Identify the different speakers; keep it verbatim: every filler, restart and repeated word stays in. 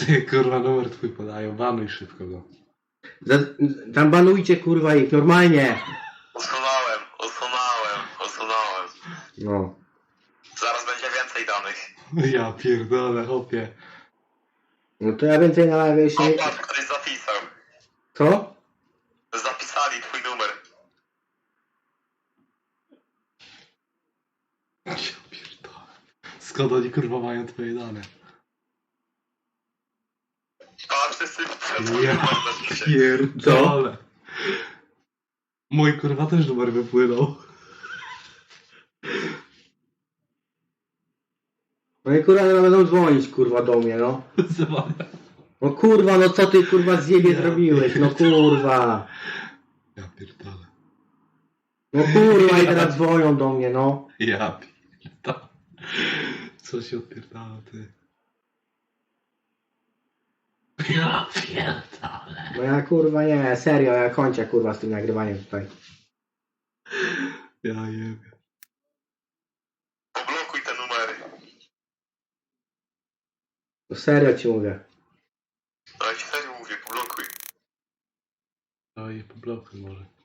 Speaker 1: Ty, kurwa, numer twój podają, banuj szybko go.
Speaker 2: Tam banujcie kurwa ich, normalnie.
Speaker 3: Usunąłem, usunąłem, usunąłem.
Speaker 2: No.
Speaker 3: Zaraz będzie więcej danych.
Speaker 1: Ja pierdolę, hopie.
Speaker 2: No to ja więcej na live się...
Speaker 3: O, patrz, ktoś zapisał.
Speaker 2: Co?
Speaker 3: Zapisali twój numer.
Speaker 1: Ja pierdolę. Skąd oni kurwa mają twoje dane?
Speaker 3: A, wszyscy widzą
Speaker 1: Ja
Speaker 3: numer na dzisiaj.
Speaker 1: pierdolę. Mój kurwa też numer wypłynął.
Speaker 2: No i kurwa nie będą dzwonić kurwa do mnie, no.
Speaker 1: Zobacz.
Speaker 2: No kurwa, no co ty kurwa z jebie
Speaker 1: Ja
Speaker 2: zrobiłeś, no kurwa.
Speaker 1: Ja pierdolę.
Speaker 2: No kurwa i teraz dzwonią do mnie, no.
Speaker 1: Ja pierdolę. Co się odpierdala, ty? Ja pierdolę.
Speaker 2: No ja kurwa nie, serio, ja kończę kurwa z tym nagrywaniem tutaj.
Speaker 1: Ja jebie.
Speaker 3: Poblokuj te numery.
Speaker 2: No serio ci mówię.
Speaker 3: No ja ci serio mówię, poblokuj.
Speaker 1: Oj, po bloku może.